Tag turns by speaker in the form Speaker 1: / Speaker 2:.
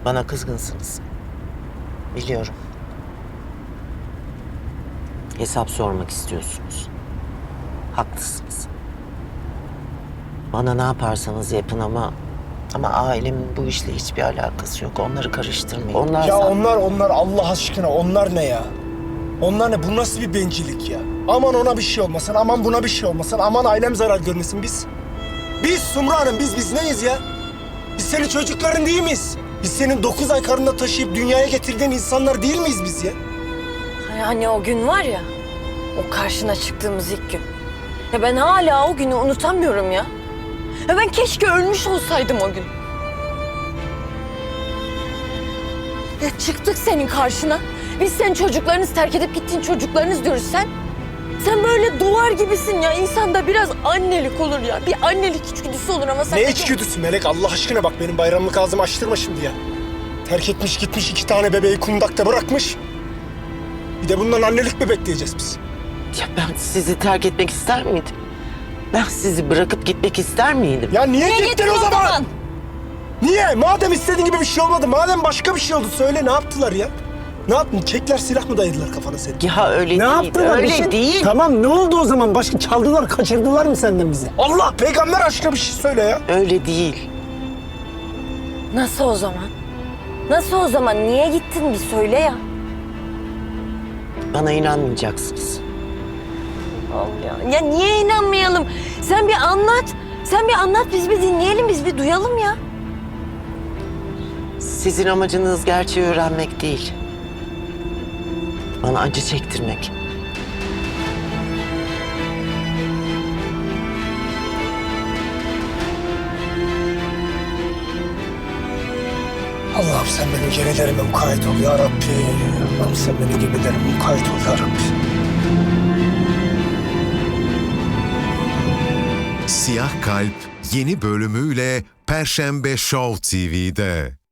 Speaker 1: Bana kızgınsınız. Biliyorum. Hesap sormak istiyorsunuz. Haklısınız. Bana ne yaparsanız yapın ama ailemin bu işle hiçbir alakası yok. Onları karıştırmayın.
Speaker 2: Ya onlar Allah aşkına onlar ne ya? Onlar ne? Bu nasıl bir bencillik ya? Aman ona bir şey olmasın, aman buna bir şey olmasın, aman ailem zarar görmesin biz. Biz Sumru Hanım, biz neyiz ya? Biz senin çocukların değil miyiz? Biz senin 9 ay karnında taşıyıp dünyaya getirdiğin insanlar değil miyiz biz ya?
Speaker 3: Hani o gün var ya, o karşına çıktığımız ilk gün. Ya ben hala o günü unutamıyorum ya. Ya ben keşke ölmüş olsaydım o gün. Ya çıktık senin karşına. Biz senin çocuklarınız, terk edip gittiğin çocuklarınız diyoruz sen. Sen böyle duvar gibisin ya. İnsanda biraz annelik olur ya. Bir annelik içgüdüsü olur ama sen...
Speaker 2: Ne içgüdüsü Melek? Allah aşkına bak benim bayramlık ağzımı açtırma şimdi ya. Terk etmiş gitmiş 2 tane bebeği kundakta bırakmış. Bir de bundan annelik mi bekleyeceğiz biz?
Speaker 1: Ya ben sizi terk etmek ister miydim? Ben sizi bırakıp gitmek ister miydim?
Speaker 2: Ya niye gittin o zaman? Niye? Madem istediğin gibi bir şey olmadı, madem başka bir şey oldu söyle ne yaptılar ya? Ne yaptın? Kekler silah mı dayadılar kafana senin?
Speaker 1: Ya öyle
Speaker 4: Ne
Speaker 1: değil,
Speaker 4: yaptılar?
Speaker 1: öyle değil.
Speaker 4: Tamam ne oldu o zaman? Başka çaldılar, kaçırdılar mı senden bizi?
Speaker 2: Allah peygamber aşkına bir şey söyle ya.
Speaker 1: Öyle değil.
Speaker 3: Nasıl o zaman? Nasıl o zaman? Niye gittin bir söyle ya.
Speaker 1: Bana inanmayacaksınız.
Speaker 3: Allah. Ya niye inanmayalım? Sen bir anlat. Sen bir anlat, biz bir dinleyelim, biz bir duyalım ya.
Speaker 1: Sizin amacınız gerçeği öğrenmek değil. Bana acı çektirmek.
Speaker 2: Allah'ım sen benim gemilerime mukayyet ol ya Rabbi. Allah'ım sen benim gemilerime mukayyet ol ya Rabbi.
Speaker 5: Siyah Kalp yeni bölümüyle Perşembe Show TV'de.